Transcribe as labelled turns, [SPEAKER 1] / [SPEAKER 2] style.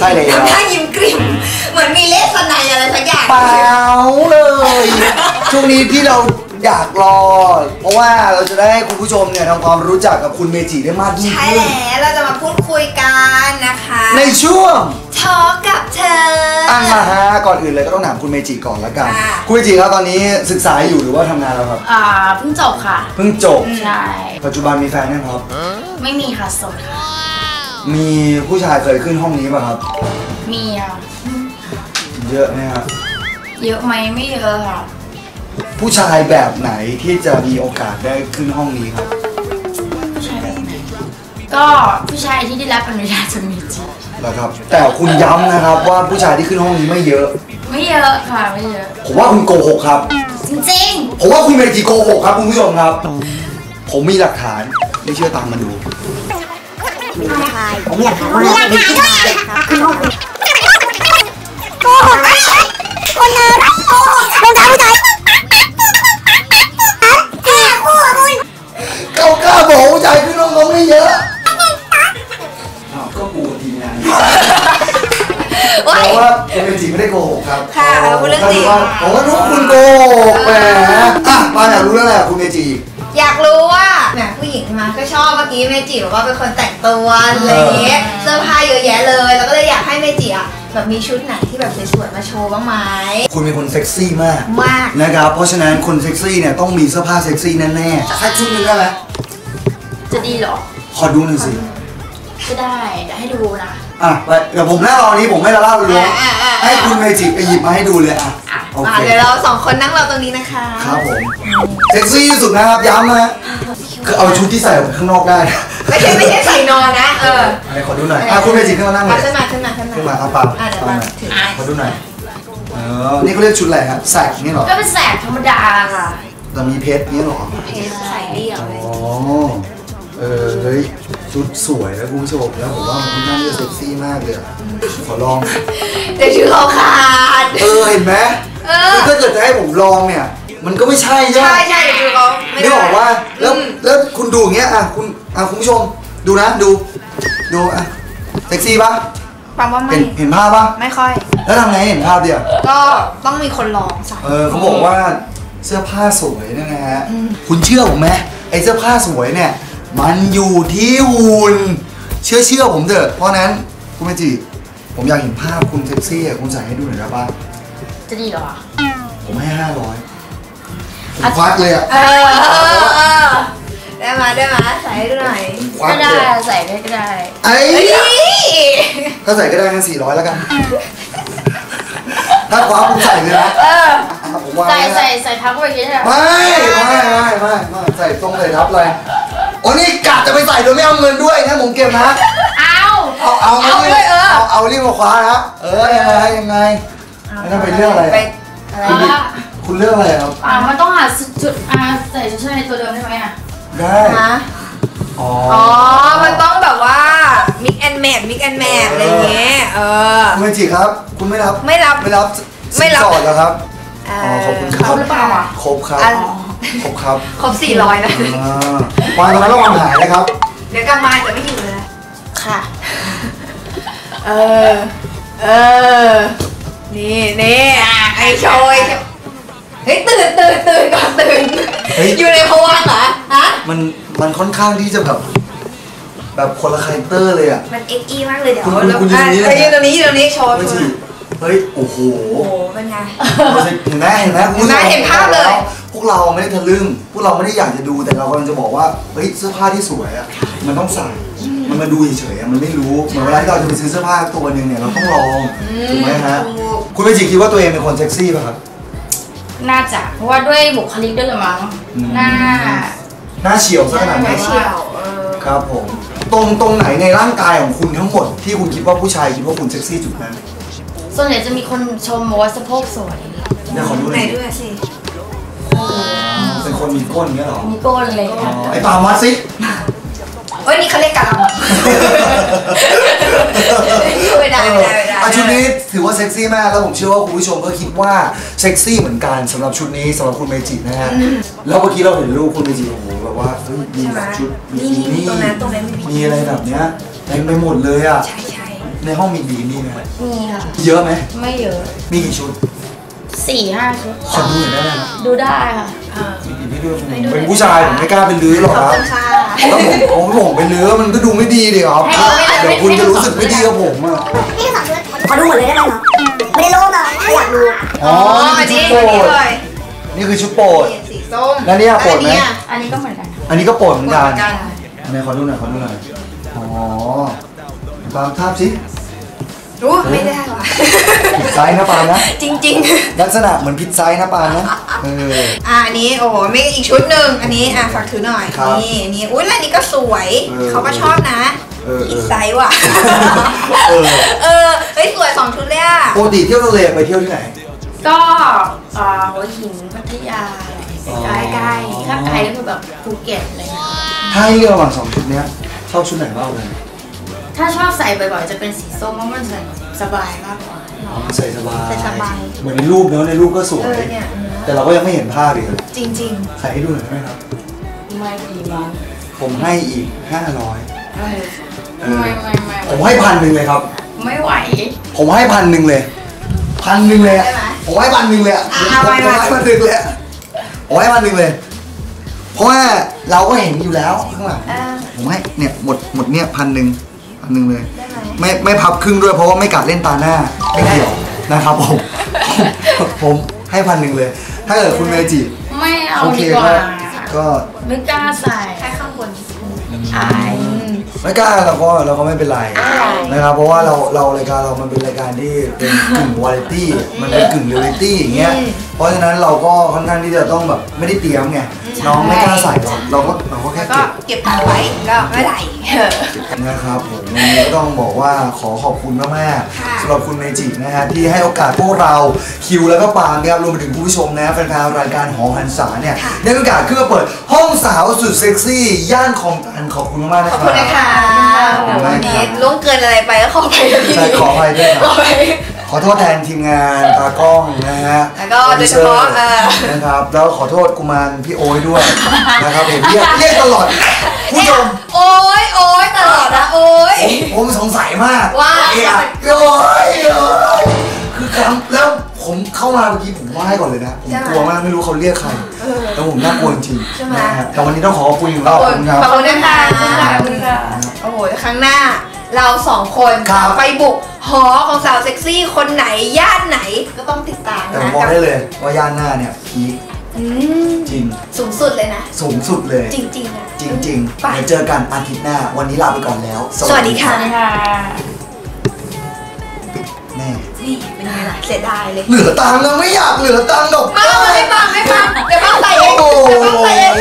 [SPEAKER 1] ช่เลยครับ
[SPEAKER 2] ทำท่ายิ้มกริ่มเหมือนมีเลสไนอะไรสักอย่าง
[SPEAKER 1] เปล่าเลยช่วงนี้ที่เราอยากรอเพราะว่าเราจะได้ให้คุณผู้ชมเนี่ยทำความรู้จักกับคุณเมจิได้มากยิ่งขึ้น
[SPEAKER 2] ใช่แล้วเราจะมาพูดคุยกันนะคะ
[SPEAKER 1] ในช่วง
[SPEAKER 2] ทอกับเธอ
[SPEAKER 1] มาฮะก่อนอื่นเลยก็ต้องถามคุณเมจิก่อนละกันคุณเมจิครับตอนนี้ศึกษาอยู่หรือว่าทำงานแล้วครับ
[SPEAKER 3] เพิ่งจบค่ะ
[SPEAKER 1] เพิ่งจบ
[SPEAKER 3] ใช่
[SPEAKER 1] ปัจจุบันมีแฟนยังครับ
[SPEAKER 3] ไม่มีค่ะโสดค่ะ
[SPEAKER 1] มีผู้ชายเคยขึ้นห้องนี้ป่ะครับ
[SPEAKER 3] มีอ่ะ
[SPEAKER 1] เยอะไหมครับ
[SPEAKER 3] เยอะไหมไม่เยอะค่ะ
[SPEAKER 1] ผู้ชายแบบไหนที่จะมีโอกาสได้ขึ้นห้องนี้ครับ
[SPEAKER 3] ผู้ชายแบบไหนก็ผู้ชายที่ได้รับอนุญาตจากเมจิ
[SPEAKER 1] แล้วครับแต่คุณย้ำนะครับว่าผู้ชายที่ขึ้นห้องนี้ไม่เยอะ
[SPEAKER 3] ไม่เยอะค่ะไม่เยอะ
[SPEAKER 1] ผมว่าคุณโกหกครับ
[SPEAKER 3] จริง
[SPEAKER 1] ๆผมว่าคุณเมจิโกหกครับคุณผู้ชมครับผมมีหลักฐานไม่เชื่อตามมาดู
[SPEAKER 4] ผมมีหลักฐานว่าเป็นผู้ชายขึ้นห้องโกหกคนเนรโกหกรองเท้าผู้ชาย
[SPEAKER 1] กล้าบอกผู้ชายขึ้นห้องเขาไม่เยอะก็กูทีมงานเพราะว่าเมจิไม่ได้โกหกครับ
[SPEAKER 2] ค่ะพูดเรื่องจริง
[SPEAKER 1] ผมก็รู้ว่าคุณโกหกแหมมาอยากรู้แล้วแหละคุณเมจิ
[SPEAKER 2] อยากรู้ว่าเนี่ยผู้หญิงมาก็ชอบเมื่อกี้เมจิบอกว่าเป็นคนแต่งตัวอะไรอย่างเงี้ยเสื้อผ้าเยอะแยะเลยแล้วก็เลยอยากให้เมจิอ่ะแบบมีชุดไหนที่แบบสวยๆมาโชว์บ้างไหม
[SPEAKER 1] คุณเป็นคนเซ็กซี่มากนะครับเพราะฉะนั้นคนเซ็กซี่เนี่ยต้องมีเสื้อผ้าเซ็กซี่แน่ๆสักชุดนึงได้ไหม
[SPEAKER 3] จะดีเหรอ
[SPEAKER 1] ขอดูหน่อยสิ
[SPEAKER 3] ก็ได้เดี๋ยวให้ดูนะ
[SPEAKER 1] ไปเดี๋ยวผมนั่งรอนี้ผมไม่ละล่าเลยให้คุณเมจิไปหยิบมาให้ดูเลยโอเค
[SPEAKER 2] เดี๋ยวเราสองคนนั่งรอตรงนี้นะคะ
[SPEAKER 1] ครับผมเซ็กซี่ที่สุดนะครับย้ำนะคือเอาชุดที่ใส่ออกไปข้างนอกได้
[SPEAKER 2] ไม่ใช่ใส่นอนนะ
[SPEAKER 1] อะไรขอดูหน่อยคุณเมจิขึ้นมานั่งเลย
[SPEAKER 2] ขึ้นมา
[SPEAKER 1] เอาปากขอดูหน่อยนี่เขาเรียกชุดอะไรครับแสกนี่หรอ
[SPEAKER 3] ก็เป็นแสกธรรมดาค่ะ
[SPEAKER 1] แต่มีเพชรนี่หรอ
[SPEAKER 2] เพชรใส่เรียวเลย
[SPEAKER 1] เฮ้ยชุดสวยแล้วคุณผู้ชมแล้วผมว่ามันค่อนข้างจะเซ็กซี่มากเลยขอลอง
[SPEAKER 2] แต่ชื่อเขาขาด
[SPEAKER 1] เห็นไหมถ้าเกิดจะให้ผมลองเนี่ยมันก็ไม่ใช่ใช่ไหม
[SPEAKER 2] ใช่คือเขา
[SPEAKER 1] ไม่บอกว่าแล้วคุณดูอย่างเงี้ยคุณผู้ชมดูนะดูเซ็กซี่ปะ
[SPEAKER 2] ฟังว่าไม่
[SPEAKER 1] เห็นภาพปะ
[SPEAKER 2] ไม่ค่อย
[SPEAKER 1] แล้วทำไงเห็นภาพเดียว
[SPEAKER 2] ก็ต้องมีคนลองใส่
[SPEAKER 1] เขาบอกว่าเสื้อผ้าสวยนะฮะคุณเชื่อผมไหมไอ้เสื้อผ้าสวยเนี่ยมันอยู่ที่หุ่นเชื่อผมเถอะเพราะนั้นคุณเมจิผมอยากเห็นภาพคุณเซ็กซี่คุณใส่ให้ดูหน่อยได้ปะ
[SPEAKER 3] จะดีเหรอ
[SPEAKER 1] ผมให้500ผมควักเลย
[SPEAKER 2] ได้มาใส่ให้ดูหน่อย
[SPEAKER 3] ก็ได้ใส่ได้ก็ได้
[SPEAKER 1] ถ้าใส่ก็ได้งั้น400แล้วกันถ้าคว้าผมใส่เลยนะ
[SPEAKER 3] ใส่ทับไว้ยังไง
[SPEAKER 1] ไม่ใส่ตรงเลยทับเลยโอ้นี่กะจะไปใส่โดยไม่เอาเงินด้วยนะผมเก็บนะเอารีบมาคว้านะยังไงนั่นเป็นเรื่องอะไรคุณเรื่องอะไรครับ
[SPEAKER 3] มันต้องหาจุดใส่ชุดชั้นในตัวเดิมได้ไหม
[SPEAKER 1] ได้
[SPEAKER 2] มันต้องแบบว่าmix and match อะไรเงี้ย
[SPEAKER 1] คุณเมจิครับคุณไม่รับสอดแล้วครับขอบคุณครับ
[SPEAKER 3] หรือเปล่า
[SPEAKER 1] ครบครับ
[SPEAKER 2] ครบ400นะ
[SPEAKER 1] วางตรงนั้นระวังหายนะครับ
[SPEAKER 2] เดี๋ยวกลับมาจะไม่อยู่เลย
[SPEAKER 3] ค่ะ
[SPEAKER 2] นี่ไอโชยเฮ้ยตื่นก่อนอยู่ในภวังค์เหรอฮะ
[SPEAKER 1] มันค่อนข้างที่จะแบบคนละคาแรคเตอร์เลยอ่ะ
[SPEAKER 2] มันเอ็กซ์มากเลยเดี๋ยว
[SPEAKER 1] คุณยืน
[SPEAKER 2] ตรงนี้โชว์
[SPEAKER 1] เฮ้ยโอ้โห
[SPEAKER 2] เป็นไง
[SPEAKER 1] เห็นไหมคุณ
[SPEAKER 2] เห็นภาพเลย
[SPEAKER 1] พวกเราไม่ได้ทะลึ่งพวกเราไม่ได้อยากจะดูแต่เรากำลังจะบอกว่าเฮ้ยเสื้อผ้าที่สวยอ่ะมันต้องใส่มันมาดูเฉยๆมันไม่รู้เหมือนเวลาที่เราจะไปซื้อเสื้อผ้าตัวนึงเนี่ยเราต้องลองถูกไหมฮะคุณเมจิคิดว่าตัวเองเป็นคนเซ็กซี่ป่ะครับ
[SPEAKER 3] น่าจะเพราะว่าด้วยบุคลิกด้วยหรือมั้งห
[SPEAKER 1] น้าเฉียวซะขนาดนี้ครับผมตรงไหนในร่างกายของคุณทั้งหมดที่คุณคิดว่าผู้ชายคิดว่าคุณเซ็กซี่จุดนั้น
[SPEAKER 3] ส่วนใหญ่จะมีคนชมว่าสะโพกสวย
[SPEAKER 1] เนี่ยขอดูหน่อย
[SPEAKER 2] ด้วยสิ
[SPEAKER 1] เป็นคนมีก้นเงี้ยหรอ
[SPEAKER 3] มีก้นเลย
[SPEAKER 1] ไอ้ปามัดสิ
[SPEAKER 2] นี่เขาเรียกกะลำไม่ได้
[SPEAKER 1] ชุดนี้ถือว่าเซ็กซี่มากแล้วผมเชื่อว่าคุณผู้ชมก็คิดว่าเซ็กซี่เหมือนกันสำหรับชุดนี้สำหรับคุณเมจินะฮะแล้วเมื่อกี้เราเห็นรูปคุณเมจิโอ้โหแบบว่ามีแบบชุด
[SPEAKER 2] นี่ตรงนั้น
[SPEAKER 1] มีอะไรแบบเนี้ยเต็มไปหมดเลยอ่ะ
[SPEAKER 2] ใช่
[SPEAKER 1] ในห้องมีบีนี่ไหม
[SPEAKER 3] มีค่ะ
[SPEAKER 1] เยอะไหม
[SPEAKER 3] ไม่เยอะ
[SPEAKER 1] มีกี่ชุด
[SPEAKER 3] 4-5 ชุด
[SPEAKER 1] ขอดูหน่อยได้ไหมครับ
[SPEAKER 3] ดูได้ค่ะ
[SPEAKER 1] มีกี่พี่ด้วยผมเป็นผู้ชายผมไม่กล้าเป็นลื้อหรอก
[SPEAKER 2] ขอบ
[SPEAKER 1] ครับ
[SPEAKER 2] คุณค่ะ
[SPEAKER 1] ถ้าผมเป็นลื้อมันก็ดูไม่ดีดิครับเดี๋ยวคุณจะรู้สึกไม่ดีกับผมอ่ะ
[SPEAKER 4] นี่คือ2 ชุดขอดูหมดเลยได้ไหมเนาะไม่ได้โลภเลยอยากดู
[SPEAKER 1] อ๋อ
[SPEAKER 2] อัน
[SPEAKER 1] นี่
[SPEAKER 2] นี้
[SPEAKER 1] คือชุดโปรด
[SPEAKER 2] เลย
[SPEAKER 1] นี่คือชุดโปรด
[SPEAKER 2] สีส้ม
[SPEAKER 1] แล้วเนี่ยโปรดไหม
[SPEAKER 3] อันนี้ก็เหมือนกันค่ะ
[SPEAKER 1] อันนี้ก็โปรดเหมือนกัน
[SPEAKER 2] กัน
[SPEAKER 1] อันไหนขอดูหน่อยอ๋อปาล์มทาบสิ
[SPEAKER 2] รู้ไม่ได้ว่ะ
[SPEAKER 1] ผิดไซส์นะปาล์มนะ
[SPEAKER 2] จริง
[SPEAKER 1] ลักษณะเหมือนผิดไซส์นะปาล์มนะ
[SPEAKER 2] อันนี้โอ้โหมีอีกชุดหนึ่งอันนี้ฝากถือหน่อย
[SPEAKER 1] ครับ
[SPEAKER 2] นี่อันนี้อุ้ยแล้วอันนี้ก็สวย เขาก็ชอบนะ อีกไซส์ว่ะ เฮ้ยสวย2 ชุดเลยอ่ะ
[SPEAKER 1] ปกติเที่ยวทะเลไปเที่ยวที่ไหน
[SPEAKER 3] ก็หัวหินพัทยาใกล้ๆถ้าไกลก็คือแบบภูเก็ตอะไรเงี้ย
[SPEAKER 1] ถ้าให้เลือกระหว่าง2 ชุดเนี้ยชอบชุดไหนมากเลย
[SPEAKER 3] ถ้าชอบใส่บ่อยๆจะเป็นสีส้มเพราะมันใส่สบายมากกว่า
[SPEAKER 1] ใส่สบาย
[SPEAKER 2] ใส่สบาย
[SPEAKER 1] เหมือนในรูปเนอะในรูปก็สวย
[SPEAKER 2] เนี่ย
[SPEAKER 1] แต่เราก็ยังไม่เห็นภาพอีกเลย
[SPEAKER 2] จริง
[SPEAKER 1] ใส่ให้ดูหน่อยได้ไหมครับ
[SPEAKER 3] ไม่ดีมั้ง
[SPEAKER 1] ผมให้อีก500
[SPEAKER 3] ไม่
[SPEAKER 1] ผมให้1,000เลยครับ
[SPEAKER 3] ไม่ไหว
[SPEAKER 1] ผมให้1,000เลย1,000เลยอะผมให้1,000เลยอะผมให้1,000เลยอะผมให้1,000เลย เพราะว่าเราก็เห็นอยู่แล้วข้างหลัง ผมให้เนี่ยหมดเนี่ย1,000เลย
[SPEAKER 2] ได้ไหม
[SPEAKER 1] ไม่พับครึ่งด้วยเพราะว่าไม่กัดเล่นตาหน้าไม่เกี่ยวนะครับผมให้1,000เลย ถ้าเกิดคุณเมจิ
[SPEAKER 3] ไม่เอา
[SPEAKER 1] โอเค
[SPEAKER 3] ดีกว่า
[SPEAKER 1] ก็
[SPEAKER 3] ไม่กล้าใส่
[SPEAKER 2] แค่ข้างบน
[SPEAKER 3] อาย
[SPEAKER 1] ไม่กล้าเราก็ไม่เป็นไรนะครับเพราะว่าเรารายการเรามันเป็นรายการที่เป็นกึ่งวาไรตี้มันเป็นกึ่งเรียลลิตี้อย่างเงี้ยเพราะฉะนั้นเราก็ค่อนข้างที่จะต้องแบบไม่ได้เตรียมไงน้องไม่กล้าใส่เราก็แค่
[SPEAKER 2] ก็เก็บตังค์ไว้ก็ไม่ไหล
[SPEAKER 1] นะครับผมวันนี้ก็ต้องบอกว่าขอขอบคุณมาก
[SPEAKER 2] ค่ะ
[SPEAKER 1] ๆสำหรับคุณเมจินะฮะที่ให้โอกาสพวกเราคิวแล้วก็ปาล์มนะครับรวมไปถึงผู้ชมนะแฟนๆรายการหอหันษาเนี่ยได้มีโอกาสขึ้นมาเปิดห้องสาวสุดเซ็กซี่ย่านคลองตันขอบคุณมากๆนะ
[SPEAKER 2] ขอบ
[SPEAKER 1] ค
[SPEAKER 2] คุ
[SPEAKER 1] รั
[SPEAKER 2] ณนะคะ
[SPEAKER 1] บ
[SPEAKER 2] วันนี้ล่วงเกินอะไรไปก็ขอไปด้วย
[SPEAKER 1] ใช่ขออภัยด้วยครับ
[SPEAKER 2] ขอไป
[SPEAKER 1] ขอโทษแทนทีมงานตากล้องนะฮะ
[SPEAKER 2] แล้วก็โดยเฉพาะ
[SPEAKER 1] นะครับแล้วขอโทษกุมารพี่โอ้ยด้วยนะครับเห็นเรียกตลอดผู้ชม
[SPEAKER 2] โอ๊ยตลอดนะโอ๊ย
[SPEAKER 1] ผมสงสัยมาก
[SPEAKER 2] ว่า
[SPEAKER 1] โอ้ยคือครั้งแล้วผมเข้ามาเมื่อกี้ผมไหว้ก่อนเลยนะผมกลัวมากไม่รู้เขาเรียกใครแล้วผมน่ากลัวจริงๆนะฮะแต่วันนี้ต้องขอขอบคุณอีกรอบขอบคุณครับ
[SPEAKER 2] ขอบคุณนะคะโอ้โหครั้งหน้าเรา2 คน
[SPEAKER 1] ครับ
[SPEAKER 2] ไปบุกหอของสาวเซ็กซี่คนไหนย่านไหนก็ต้องติดตาม
[SPEAKER 1] แต่
[SPEAKER 2] นะ
[SPEAKER 1] ผมบอกได้เลยว่าย่านหน้าเนี่ยพีค
[SPEAKER 2] อืม
[SPEAKER 1] จริง
[SPEAKER 2] สูงสุดเลยนะ
[SPEAKER 1] สูงสุดเลย
[SPEAKER 2] จริงๆนะ
[SPEAKER 1] จริงๆ
[SPEAKER 2] ไป
[SPEAKER 1] เดี๋ยวเจอกันอาทิตย์หน้าวันนี้ลาไปก่อนแล้ว
[SPEAKER 2] สวัสดีค่ะ
[SPEAKER 3] ค่ะ
[SPEAKER 1] แม่
[SPEAKER 2] นี่เป็นไงล่ะเสียดายเลย
[SPEAKER 1] เหลือตังค์แล้วไม่อยากเหลือตังค์ดอก
[SPEAKER 2] ไม่ฟังเดี๋ยวบ้างใส่เองเดี๋ยวบ้างใส่เอง